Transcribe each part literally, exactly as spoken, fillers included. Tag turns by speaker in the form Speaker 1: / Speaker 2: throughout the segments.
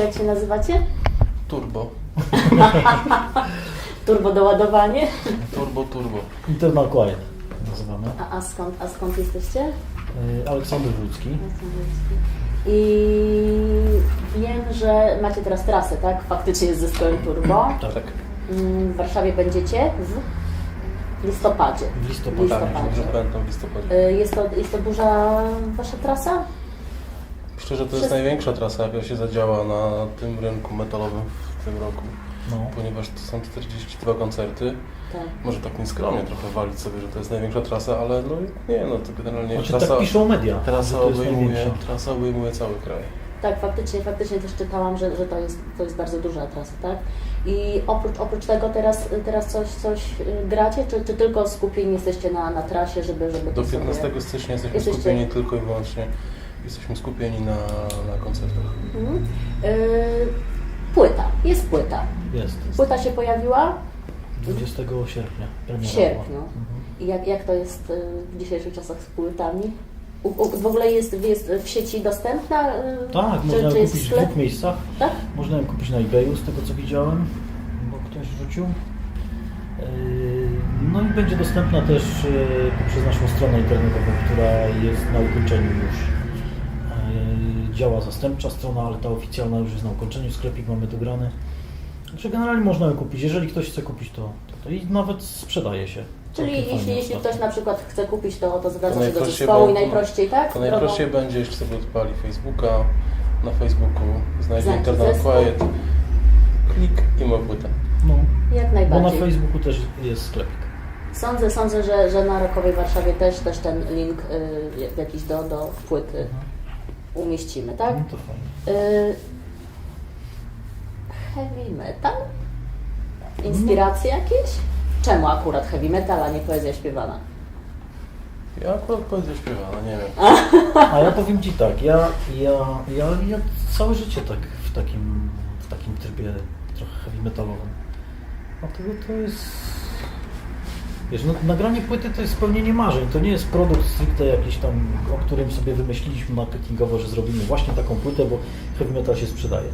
Speaker 1: jak się nazywacie?
Speaker 2: Turbo.
Speaker 1: Turbo doładowanie?
Speaker 2: Turbo, turbo.
Speaker 3: Internal Quiet nazywamy.
Speaker 1: A, a, skąd, a skąd jesteście?
Speaker 3: Yy, Aleksander Wódzki.
Speaker 1: I wiem, że macie teraz trasę, tak? Faktycznie z zespołem Turbo.
Speaker 2: Tak.
Speaker 1: W Warszawie będziecie w listopadzie.
Speaker 3: W listopadzie.
Speaker 2: Tak, że pamiętam w listopadzie.
Speaker 1: Y, Jest to, jest to duża wasza trasa?
Speaker 2: Myślę, że to jest
Speaker 1: Wszyscy-
Speaker 2: największa trasa, jaka się zadziała na tym rynku metalowym w tym roku.
Speaker 3: No.
Speaker 2: Ponieważ to są czterdzieści dwa koncerty.
Speaker 1: Tak.
Speaker 2: Może tak nieskromnie trochę walić sobie, że to jest największa trasa, ale no nie, no to generalnie
Speaker 3: Znaczy
Speaker 2: trasa,
Speaker 3: tak piszą media, że
Speaker 2: trasa,
Speaker 3: to jest
Speaker 2: obejmuje,
Speaker 3: największa.
Speaker 2: trasa obejmuje cały kraj.
Speaker 1: Tak, faktycznie, faktycznie też czytałam, że, że to, jest, to jest bardzo duża trasa, tak? I oprócz, oprócz tego teraz, teraz coś, coś y, gracie, czy, czy tylko skupieni jesteście na, na trasie, żeby, żeby to
Speaker 2: Do
Speaker 1: sobie...
Speaker 2: piętnastego stycznia jesteśmy
Speaker 1: Jesteście-
Speaker 2: skupieni tylko i wyłącznie, jesteśmy skupieni na, na koncertach.
Speaker 1: Mhm. Y, płyta, jest płyta.
Speaker 3: Jest.
Speaker 1: Płyta się pojawiła
Speaker 3: dwudziestego sierpnia.
Speaker 1: w
Speaker 3: premiera
Speaker 1: sierpniu.
Speaker 3: była. Mhm.
Speaker 1: I jak, jak to jest y, w dzisiejszych czasach z płytami? U, u, w ogóle jest, jest w sieci dostępna? y,
Speaker 3: Tak,
Speaker 1: czy,
Speaker 3: można
Speaker 1: czy
Speaker 3: ją
Speaker 1: jest
Speaker 3: kupić w
Speaker 1: sklep?
Speaker 3: dwóch miejscach.
Speaker 1: Tak?
Speaker 3: Można ją kupić na eBayu, z tego co widziałem, bo ktoś rzucił. Yy, No i będzie dostępna też yy, poprzez naszą stronę internetową, która jest na ukończeniu już. Yy, Działa zastępcza strona, ale ta oficjalna już jest na ukończeniu, sklepik mamy dograny. Także generalnie można ją kupić. Jeżeli ktoś chce kupić, to, to, to i nawet sprzedaje się.
Speaker 1: Czyli
Speaker 3: Całkiem
Speaker 1: jeśli,
Speaker 3: fajnie
Speaker 1: jeśli
Speaker 3: ostatnio.
Speaker 1: ktoś na przykład chce kupić, to, to zwraca
Speaker 2: To
Speaker 1: się do
Speaker 2: najprościej,
Speaker 1: zespołu i
Speaker 2: bo-
Speaker 1: najprościej, tak?
Speaker 2: To najprościej
Speaker 1: Drogą-
Speaker 2: będzie, jeśli sobie odpali Facebooka, na Facebooku znajdzie
Speaker 1: Znajdzie
Speaker 2: Internal
Speaker 1: zespół.
Speaker 2: Quiet, klik i ma płytę.
Speaker 3: No,
Speaker 1: Jak
Speaker 3: bo na
Speaker 1: najbardziej.
Speaker 3: Facebooku też jest sklepik.
Speaker 1: Sądzę, sądzę że, że na Rockowej Warszawie też, też ten link y, jakiś do, do płyty umieścimy, tak?
Speaker 3: No to fajnie.
Speaker 1: Y, heavy metal? Inspiracje jakieś? Czemu akurat heavy metal, a nie poezja śpiewana?
Speaker 2: Ja akurat poezję śpiewana, nie wiem.
Speaker 3: A ja powiem Ci tak, ja, ja, ja, ja całe życie tak w takim, w takim trybie trochę heavy metalowym. Dlatego to jest... Wiesz, no, nagranie płyty to jest spełnienie marzeń, to nie jest produkt stricte jakiś tam, o którym sobie wymyśliliśmy marketingowo, że zrobimy właśnie taką płytę, bo heavy metal się sprzedaje.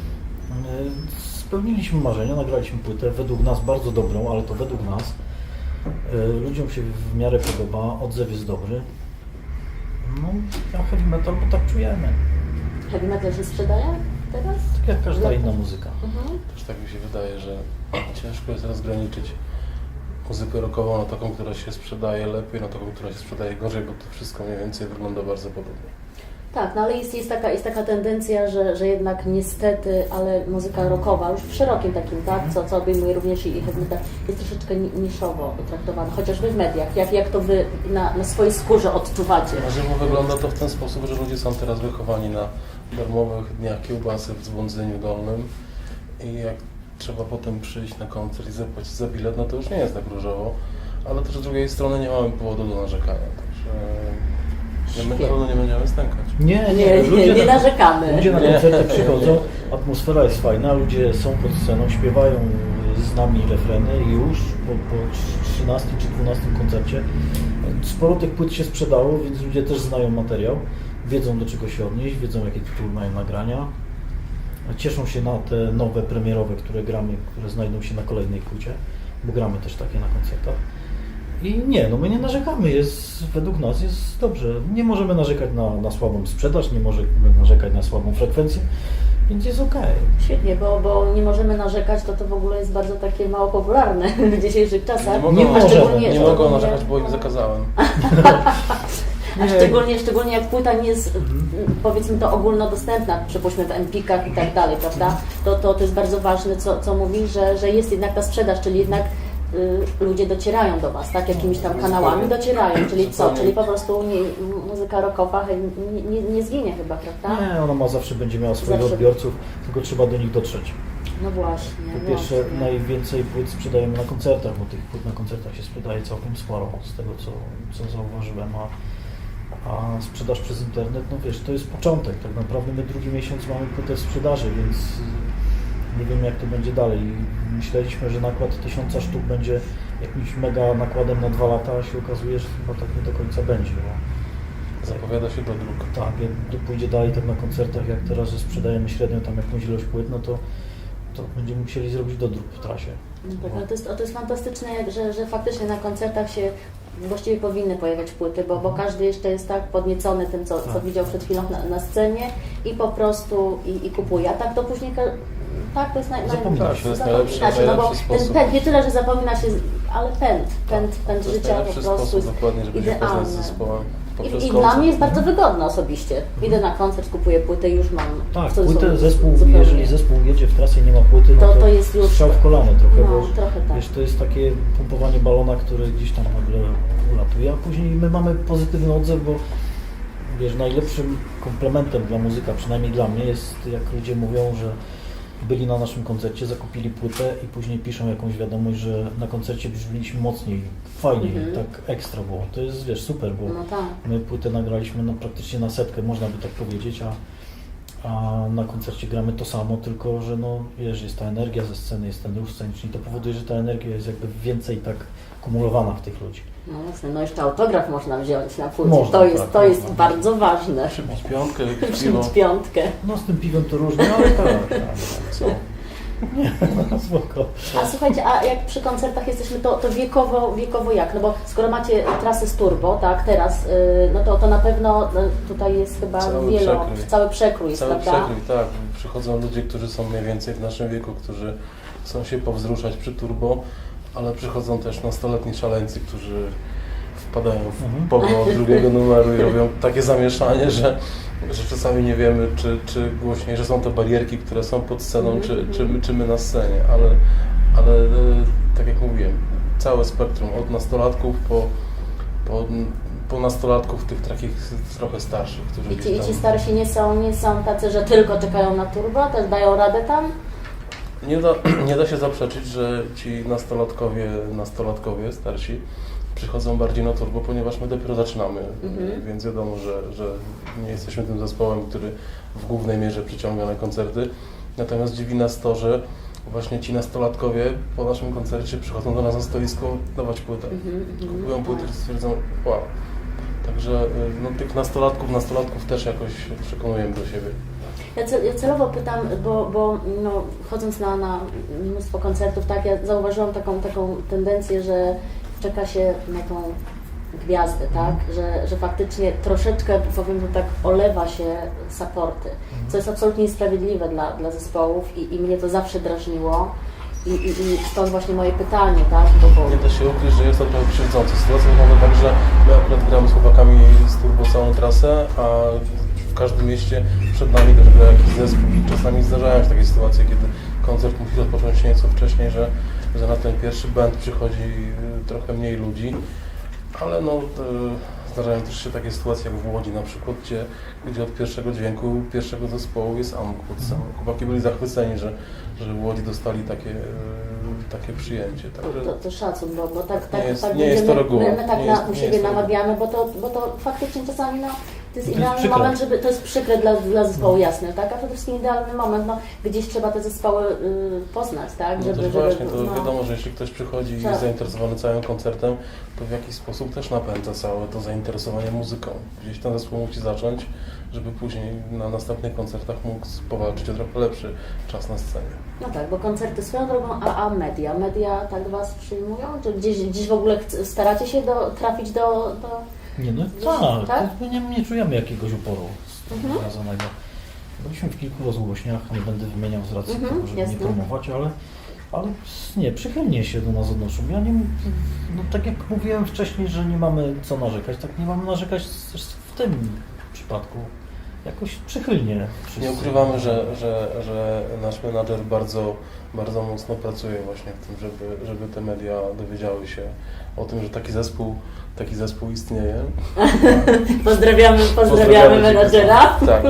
Speaker 3: Yy, Spełniliśmy marzenia, nagraliśmy płytę, według nas bardzo dobrą, ale to według nas. Yy, Ludziom się w miarę podoba, odzew jest dobry. No, ja heavy metal, bo tak czujemy.
Speaker 1: Heavy metal się sprzedaje teraz?
Speaker 3: Tak jak każda inna muzyka.
Speaker 1: Mhm.
Speaker 2: Też tak mi się wydaje, że ciężko jest rozgraniczyć muzykę rockową na taką, która się sprzedaje lepiej, na taką, która się sprzedaje gorzej, bo to wszystko mniej więcej wygląda bardzo podobnie.
Speaker 1: Tak, no ale jest, jest, taka, jest taka tendencja, że, że jednak niestety, ale muzyka rockowa, już w szerokim takim, tak, co, co obejmuje również i heavy metal, jest troszeczkę ni- niszowo traktowana, chociażby w mediach. Jak, jak to Wy na, na swojej skórze odczuwacie?
Speaker 2: Na żywo wygląda to w ten sposób, że ludzie są teraz wychowani na darmowych dniach kiełbasy w Dzwondzeniu Dolnym i jak trzeba potem przyjść na koncert i zapłacić za bilet, no to już nie jest tak różowo, ale też z drugiej strony nie mamy powodu do narzekania, także my na pewno nie będziemy stękać.
Speaker 3: Nie,
Speaker 1: Nie, nie,
Speaker 3: ludzie
Speaker 1: nie
Speaker 3: na,
Speaker 1: narzekamy.
Speaker 3: Ludzie na
Speaker 2: Nie.
Speaker 3: koncerty przychodzą, atmosfera jest fajna, ludzie są pod sceną, śpiewają z nami refreny i już po, po trzynastym czy dwunastym koncercie sporo tych płyt się sprzedało, więc ludzie też znają materiał, wiedzą do czego się odnieść, wiedzą jakie tytuły mają nagrania. Cieszą się na te nowe premierowe, które gramy, które znajdą się na kolejnej płycie, bo gramy też takie na koncertach. I nie, no my nie narzekamy, jest, według nas jest dobrze. Nie możemy narzekać na, na słabą sprzedaż, nie możemy narzekać na słabą frekwencję, więc jest okej.
Speaker 1: Świetnie, bo, bo nie możemy narzekać, to to w ogóle jest bardzo takie mało popularne w dzisiejszych czasach.
Speaker 2: Nie mogą,
Speaker 3: Nie
Speaker 1: A
Speaker 3: możemy,
Speaker 1: szczególnie-
Speaker 2: nie mogą
Speaker 1: szczególnie-
Speaker 2: narzekać, bo im zakazałem.
Speaker 1: A szczególnie, szczególnie jak płyta nie jest, powiedzmy to, ogólnodostępna, przypuśćmy w empikach i tak dalej, prawda? To, to, to jest bardzo ważne, co, co mówi, że, że jest jednak ta sprzedaż, czyli jednak y, ludzie docierają do Was, tak? Jakimiś tam kanałami docierają, czyli co? Czyli po prostu nie, muzyka rockowa nie, nie, nie zginie chyba, prawda?
Speaker 3: Nie, ona ma zawsze będzie miała swoich
Speaker 1: Zawsze.
Speaker 3: odbiorców, tylko trzeba do nich dotrzeć.
Speaker 1: No właśnie.
Speaker 3: Po pierwsze,
Speaker 1: właśnie.
Speaker 3: najwięcej płyt sprzedajemy na koncertach, bo tych płyt na koncertach się sprzedaje całkiem sporo, z tego co, co zauważyłem, a, a sprzedaż przez internet, no wiesz, to jest początek, tak naprawdę my drugi miesiąc mamy płytę w sprzedaży, więc nie wiem jak to będzie dalej. Myśleliśmy, że nakład tysiąca sztuk będzie jakimś mega nakładem na dwa lata, a się okazuje, że chyba tak nie do końca będzie. Bo
Speaker 2: zapowiada się do dróg.
Speaker 3: Tak, jak pójdzie dalej tak na koncertach, jak teraz, że sprzedajemy średnio tam jakąś ilość płyt, no to, to będziemy musieli zrobić dodruk w trasie.
Speaker 1: No tak, ale to jest, to jest fantastyczne, jak- że, że faktycznie na koncertach się właściwie powinny pojawiać płyty, bo, bo każdy jeszcze jest tak podniecony tym, co, co
Speaker 3: Tak.
Speaker 1: widział przed chwilą na, na scenie i po prostu i, i kupuje. A tak to później, ka- tak to jest naj, naj,
Speaker 3: Zapomina się.
Speaker 2: To jest
Speaker 1: zapomina
Speaker 2: najlepszy-
Speaker 1: się, no bo
Speaker 2: najlepszy
Speaker 1: ten
Speaker 2: sposób.
Speaker 1: pęd, nie tyle, że zapomina się, ale pęd, pęd, pęd
Speaker 2: To jest
Speaker 1: życia po
Speaker 2: najlepszy
Speaker 1: prostu
Speaker 2: sposób
Speaker 1: jest
Speaker 2: dokładnie, żeby się
Speaker 1: idealny.
Speaker 2: poznać z zespołem. poprzez
Speaker 1: I, I
Speaker 2: koncert.
Speaker 1: dla mnie jest bardzo wygodne osobiście. Idę na koncert, kupuję płytę i już mam.
Speaker 3: Tak,
Speaker 1: w cudzysłowie
Speaker 3: płytę, zespół,
Speaker 1: zupełnie.
Speaker 3: jeżeli zespół jedzie w trasę i nie ma płyty, no
Speaker 1: To-
Speaker 3: to,
Speaker 1: to jest już-
Speaker 3: strzał w kolano trochę,
Speaker 1: No,
Speaker 3: bo
Speaker 1: trochę tak.
Speaker 3: wiesz, to jest takie pompowanie balona, które gdzieś tam nagle ulatuje, a później my mamy pozytywny odzew, bo wiesz, najlepszym komplementem dla muzyka, przynajmniej dla mnie, jest jak ludzie mówią, że byli na naszym koncercie, zakupili płytę i później piszą jakąś wiadomość, że na koncercie brzmieliśmy mocniej, fajniej,
Speaker 1: Mhm.
Speaker 3: tak ekstra było. To jest, wiesz, super, bo
Speaker 1: No tak.
Speaker 3: my płytę nagraliśmy no, praktycznie na setkę, można by tak powiedzieć, a, a na koncercie gramy to samo, tylko że no, wiesz, jest ta energia ze sceny, jest ten ruch sceniczny i to powoduje, że ta energia jest jakby więcej tak kumulowana w tych ludzi.
Speaker 1: No jasne, no jeszcze autograf można wziąć na płycie.
Speaker 3: Można,
Speaker 1: to jest,
Speaker 3: tak,
Speaker 1: to jest
Speaker 3: można.
Speaker 1: bardzo ważne.
Speaker 2: Przybić piątkę, piwo.
Speaker 1: Przybić piątkę.
Speaker 3: No z tym piwem to różnie, ale tak, tak,
Speaker 2: Co?
Speaker 3: nie, no, spoko.
Speaker 1: A słuchajcie, a jak przy koncertach jesteśmy, to, to wiekowo, wiekowo jak? No bo skoro macie trasy z turbo, tak, teraz, yy, no to, to na pewno no, tutaj jest chyba
Speaker 2: Cały
Speaker 1: wielo,
Speaker 2: przekrój.
Speaker 1: cały przekrój jest,
Speaker 2: Cały
Speaker 1: prawda?
Speaker 2: przekrój, tak. Przychodzą ludzie, którzy są mniej więcej w naszym wieku, którzy chcą się powzruszać przy turbo, ale przychodzą też nastoletni szaleńcy, którzy wpadają w
Speaker 3: Mhm.
Speaker 2: pogo od drugiego numeru i robią takie zamieszanie, że, że czasami nie wiemy, czy, czy głośniej, że są to barierki, które są pod sceną,
Speaker 1: Mhm.
Speaker 2: czy, czy, my, czy my na scenie, ale, ale e, tak jak mówiłem, całe spektrum, od nastolatków po, po, po nastolatków tych takich trochę starszych, którzy
Speaker 1: I ci, i
Speaker 2: gdzieś
Speaker 1: ci
Speaker 2: tam...
Speaker 1: starsi nie są, nie są tacy, że tylko czekają na turbo, też dają radę tam?
Speaker 2: Nie da, nie da się zaprzeczyć, że ci nastolatkowie, nastolatkowie starsi przychodzą bardziej na turbo, ponieważ my dopiero zaczynamy,
Speaker 1: Mhm.
Speaker 2: więc wiadomo, że, że nie jesteśmy tym zespołem, który w głównej mierze przyciąga na koncerty. Natomiast dziwi nas to, że właśnie ci nastolatkowie po naszym koncercie przychodzą do nas na stoisko dawać płytę.
Speaker 1: Mhm, mhm.
Speaker 2: Kupują płytę i stwierdzą, wow. Także y, no, tych nastolatków, nastolatków też jakoś przekonujemy do siebie.
Speaker 1: Ja, cel, ja celowo pytam, bo, bo no, chodząc na, na mnóstwo koncertów, tak, ja zauważyłam taką, taką tendencję, że czeka się na tą gwiazdę, tak, że, że faktycznie troszeczkę, powiem to tak, olewa się supporty, co jest absolutnie niesprawiedliwe dla, dla zespołów i, i mnie to zawsze drażniło. I, i, I stąd właśnie moje pytanie, tak, bo, bo
Speaker 2: Nie da się ukryć, że jest to trochę krzywdzące. Sytuacja wygląda tak, że my akurat gramy z chłopakami z turbo całą trasę, a w każdym mieście przed nami też gra jakiś zespół i czasami zdarzają się takie sytuacje, kiedy koncert musi rozpocząć się nieco wcześniej, że, że na ten pierwszy band przychodzi y, trochę mniej ludzi, ale no y, zdarzają też się takie sytuacje jak w Łodzi na przykład, gdzie, gdzie od pierwszego dźwięku pierwszego zespołu jest amok pod sceną. Chłopaki byli zachwyceni, że, że w Łodzi dostali takie, y, takie przyjęcie. Także
Speaker 1: to, to szacun, bo, bo tak, tak,
Speaker 2: Nie jest-
Speaker 1: tak
Speaker 2: nie jest to
Speaker 1: będziemy-
Speaker 2: reguła.
Speaker 1: my, my tak
Speaker 2: Nie
Speaker 1: na,
Speaker 2: jest-
Speaker 1: u
Speaker 2: nie
Speaker 1: siebie
Speaker 2: jest to
Speaker 1: namawiamy, bo to, bo to faktycznie czasami no, to jest
Speaker 3: jest
Speaker 1: idealny
Speaker 3: przykre.
Speaker 1: moment, żeby, to jest przykre dla, dla zespołu, jasne, tak? A przede wszystkim idealny moment, no, gdzieś trzeba te zespoły y, poznać, tak?
Speaker 2: no
Speaker 1: Żeby,
Speaker 2: też
Speaker 1: żeby,
Speaker 2: właśnie, to
Speaker 1: no,
Speaker 2: wiadomo, że jeśli ktoś przychodzi i
Speaker 1: Tak.
Speaker 2: jest zainteresowany całym koncertem, to w jakiś sposób też napędza całe to zainteresowanie muzyką. Gdzieś ten zespół musi zacząć, żeby później na następnych koncertach mógł powalczyć o trochę lepszy czas na scenie.
Speaker 1: no tak, bo koncerty swoją drogą, a, a media, media tak Was przyjmują? Czy gdzieś, gdzieś w ogóle chc- staracie się do, trafić do, do...
Speaker 3: Nie, no
Speaker 1: Tak?
Speaker 3: tak, my nie, nie czujemy jakiegoś uporu
Speaker 1: Mhm.
Speaker 3: związanego. Byliśmy w kilku rozgłośniach, nie będę wymieniał z racji
Speaker 1: Mhm,
Speaker 3: tego, żeby
Speaker 1: jasne.
Speaker 3: nie promować, ale, ale nie, przychylnie się do nas odnoszą. Ja nie, no tak jak mówiłem wcześniej, że nie mamy co narzekać, tak nie mamy narzekać też w tym przypadku. Jakoś przychylnie wszyscy.
Speaker 2: Nie ukrywamy, że, że, że nasz menadżer bardzo, bardzo mocno pracuje właśnie w tym, żeby, żeby te media dowiedziały się o tym, że taki zespół, taki zespół istnieje.
Speaker 1: Pozdrawiamy, pozdrawiamy
Speaker 2: Pozdrawiamy
Speaker 1: menadżera.
Speaker 2: Tak.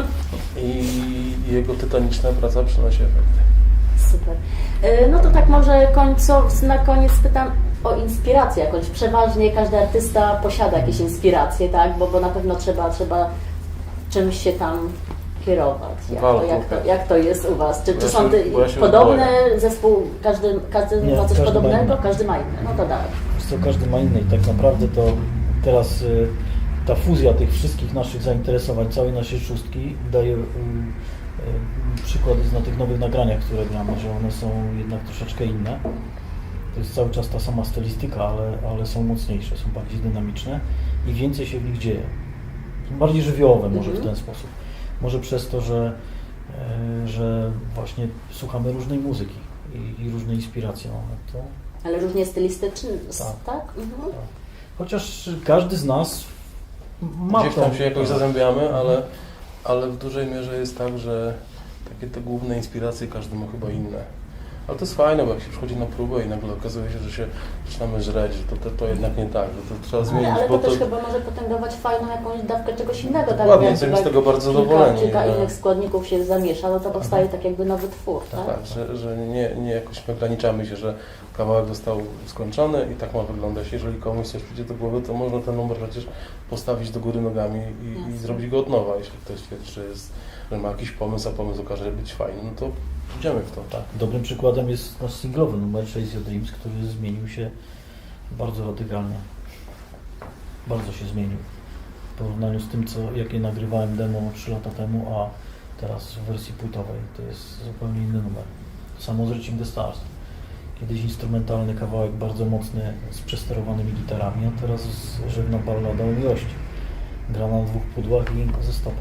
Speaker 2: I jego tytaniczna praca przynosi efekty.
Speaker 1: Super. Y, No to tak może końcow, na koniec pytam o inspirację jakąś. Przeważnie każdy artysta posiada jakieś inspiracje, tak? Bo, bo na pewno trzeba, trzeba czymś się tam kierować. Jak, to,
Speaker 2: Walką,
Speaker 1: jak, to,
Speaker 2: tak.
Speaker 1: jak to jest u Was? Czy,
Speaker 2: Bo
Speaker 1: czy
Speaker 2: ja
Speaker 1: są
Speaker 2: się-
Speaker 1: ty,
Speaker 2: bo ja się
Speaker 1: podobne
Speaker 2: boję.
Speaker 1: zespół, każdy, każdy
Speaker 3: Nie,
Speaker 1: ma coś
Speaker 3: każdy ma
Speaker 1: podobnego?
Speaker 3: inne.
Speaker 1: Każdy ma inne. No to dalej.
Speaker 3: Wiesz co, każdy ma inny i tak naprawdę to teraz y, ta fuzja tych wszystkich naszych zainteresowań, całej naszej szóstki daje y, y, przykłady na tych nowych nagraniach, które gramy, że one są jednak troszeczkę inne. To jest cały czas ta sama stylistyka, ale, ale są mocniejsze, są bardziej dynamiczne i więcej się w nich dzieje. Są bardziej żywiołowe może
Speaker 1: Mhm.
Speaker 3: w ten sposób. Może przez to, że, e, że właśnie słuchamy różnej muzyki i, i różne inspiracje mamy. To,
Speaker 1: Ale różnie stylistyczny, s-
Speaker 3: Tak.
Speaker 1: tak? Mhm.
Speaker 3: chociaż każdy z nas ma
Speaker 2: Gdzieś tam
Speaker 3: tą-
Speaker 2: się jakoś zazębiamy, ale, ale w dużej mierze jest tak, że takie te główne inspiracje każdy ma chyba inne. Ale to jest fajne, bo jak się przychodzi na próbę i nagle okazuje się, że się zaczynamy żreć, że to, to, to jednak nie tak, że to trzeba zmienić,
Speaker 1: Ale, ale
Speaker 2: bo
Speaker 1: to też chyba może potęgować fajną jakąś dawkę czegoś innego. Tak?
Speaker 2: Dokładnie,
Speaker 1: Jak
Speaker 2: jesteśmy z
Speaker 1: jak
Speaker 2: tego bardzo
Speaker 1: kilka,
Speaker 2: zadowoleni,
Speaker 1: kilka
Speaker 2: że-
Speaker 1: innych składników się zamiesza, no to powstaje tak jakby nowy twór, tak?
Speaker 2: tak, że, że nie, nie jakoś ograniczamy się, że kawałek został skończony i tak ma wyglądać. Jeżeli komuś coś przyjdzie do głowy, to można ten numer przecież postawić do góry nogami i, i
Speaker 1: Jasne.
Speaker 2: zrobić go od nowa. Jeśli ktoś twierdzi, że, jest, że ma jakiś pomysł, a pomysł okaże się być fajny, no to idziemy w to.
Speaker 3: Tak, dobrym przykładem jest nasz singlowy numer Chase Your Dreams, który zmienił się bardzo radykalnie. Bardzo się zmienił. W porównaniu z tym, co, jakie nagrywałem demo trzy lata temu, a teraz w wersji płytowej. To jest zupełnie inny numer. To samo z Reaching the Stars. Kiedyś instrumentalny kawałek bardzo mocny z przesterowanymi gitarami, a teraz żegna ballada o miłości. Gra na dwóch pudłach i ze stopą.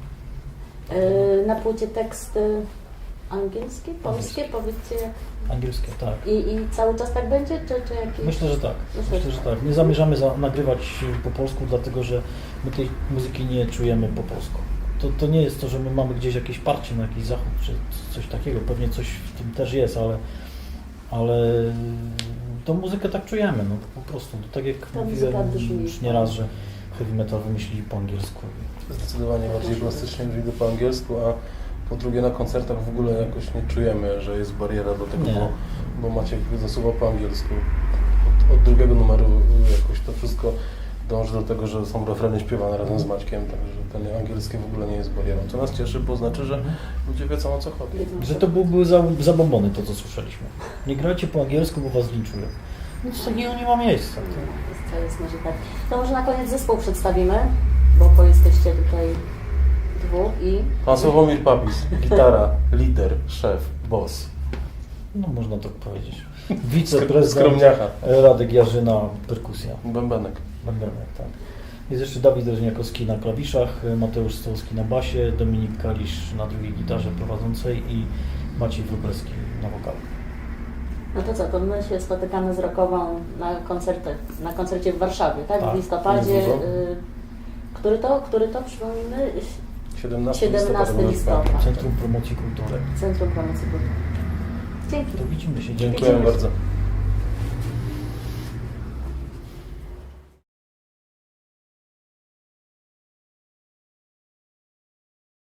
Speaker 1: Yy, na płycie teksty angielskie, polskie, powiedzcie jak...
Speaker 3: Angielskie, tak.
Speaker 1: I, I cały czas tak będzie, czy, czy jakieś...
Speaker 3: Myślę, że tak.
Speaker 1: Myślę,
Speaker 3: Myślę, że tak. Nie zamierzamy za, nagrywać po polsku, dlatego że my tej muzyki nie czujemy po polsku. To, to nie jest to, że my mamy gdzieś jakieś parcie na jakiś zachód, czy coś takiego. Pewnie coś w tym też jest, ale, ale tą muzykę tak czujemy, no po prostu. Tak jak
Speaker 1: Ta
Speaker 3: mówiłem
Speaker 1: muzyka brzmi.
Speaker 3: już nieraz, że heavy metal wymyślili po angielsku.
Speaker 2: Zdecydowanie bardziej plastycznie brzmi to po angielsku, a po drugie na koncertach w ogóle jakoś nie czujemy, że jest bariera do tego,
Speaker 3: Nie.
Speaker 2: bo, bo Maciek zasuwa po angielsku. Od, od drugiego numeru jakoś to wszystko dąży do tego, że są refreny śpiewane razem z Maćkiem, także ten angielski w ogóle nie jest barierą. Co nas cieszy, bo znaczy, że ludzie wiedzą, o co chodzi.
Speaker 3: Że to były za, zabombony to, co słyszeliśmy. Nie grajcie po angielsku, bo was linczują. Nic takiego nie ma miejsca.
Speaker 1: To jest może tak. To może na koniec zespół przedstawimy, bo, bo jesteście tutaj dwóch i...
Speaker 2: Pan Sławomir Papis, gitara, lider, szef, boss.
Speaker 3: No można tak powiedzieć. Wiceprezydent
Speaker 2: Skromniacha.
Speaker 3: Radek Jarzyna, perkusja.
Speaker 2: Bębenek.
Speaker 3: Bębenek, tak. Jest jeszcze Dawid Reżniakowski na klawiszach, Mateusz Stołowski na basie, Dominik Kalisz na drugiej gitarze prowadzącej i Maciej Wróblewski na wokalu.
Speaker 1: No to co, to my się spotykamy z Rokową na koncercie, na koncercie w Warszawie, tak?
Speaker 3: Tak,
Speaker 1: W listopadzie.
Speaker 2: jest dużo.
Speaker 1: Y, który to, który to, przypomnijmy?
Speaker 2: siedemnastego
Speaker 1: siedemnastego listopada.
Speaker 3: Centrum Promocji Kultury.
Speaker 1: Centrum Promocji Kultury. Dzięki.
Speaker 3: To widzimy się.
Speaker 2: Dziękuję bardzo.